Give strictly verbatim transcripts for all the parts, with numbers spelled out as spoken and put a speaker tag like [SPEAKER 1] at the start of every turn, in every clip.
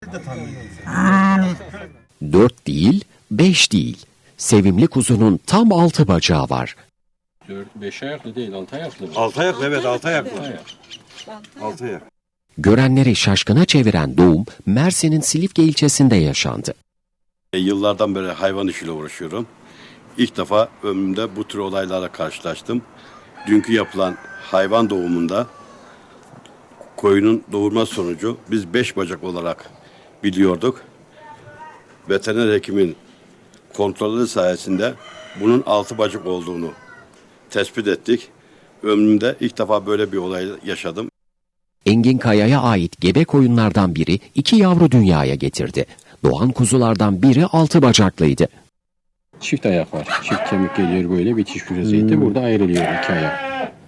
[SPEAKER 1] Dört değil, beş değil. Sevimli kuzunun tam altı bacağı var.
[SPEAKER 2] Dört, beş ayaklı değil, altı ayaklı.
[SPEAKER 3] Altı ayaklı, evet, altı ayaklı. Altı ayak.
[SPEAKER 1] Görenleri şaşkına çeviren doğum Mersin'in Silifke ilçesinde yaşandı.
[SPEAKER 3] E, yıllardan beri hayvan işiyle uğraşıyorum. İlk defa ömrümde bu tür olaylarla karşılaştım. Dünkü yapılan hayvan doğumunda koyunun doğurma sonucu biz beş bacak olarak biliyorduk. Veteriner hekimin kontrolleri sayesinde bunun altı bacak olduğunu tespit ettik. Ömrümde ilk defa böyle bir olay yaşadım.
[SPEAKER 1] Engin Kaya'ya ait gebe koyunlardan biri iki yavru dünyaya getirdi. Doğan kuzulardan biri altı bacaklıydı.
[SPEAKER 2] Çift ayak var. Çift kemik geliyor böyle bitiş vaziyette. Hmm. Burada ayrılıyor iki ayak.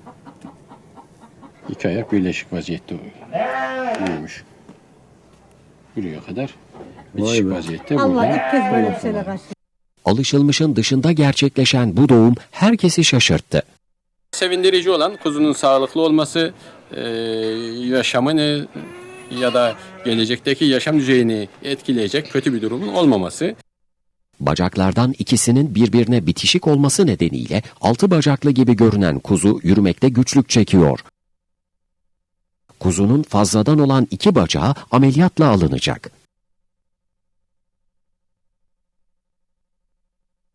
[SPEAKER 2] İki ayak birleşik vaziyette büyümüş. Buraya kadar bitişik vaziyette.
[SPEAKER 4] Allah ilk kez böyle bir şeyle karşı.
[SPEAKER 1] Alışılmışın dışında gerçekleşen bu doğum herkesi şaşırttı.
[SPEAKER 2] Sevindirici olan kuzunun sağlıklı olması, e, yaşamını ya da gelecekteki yaşam düzeyini etkileyecek kötü bir durumun olmaması.
[SPEAKER 1] Bacaklardan ikisinin birbirine bitişik olması nedeniyle altı bacaklı gibi görünen kuzu yürümekte güçlük çekiyor. Kuzunun fazladan olan iki bacağı ameliyatla alınacak.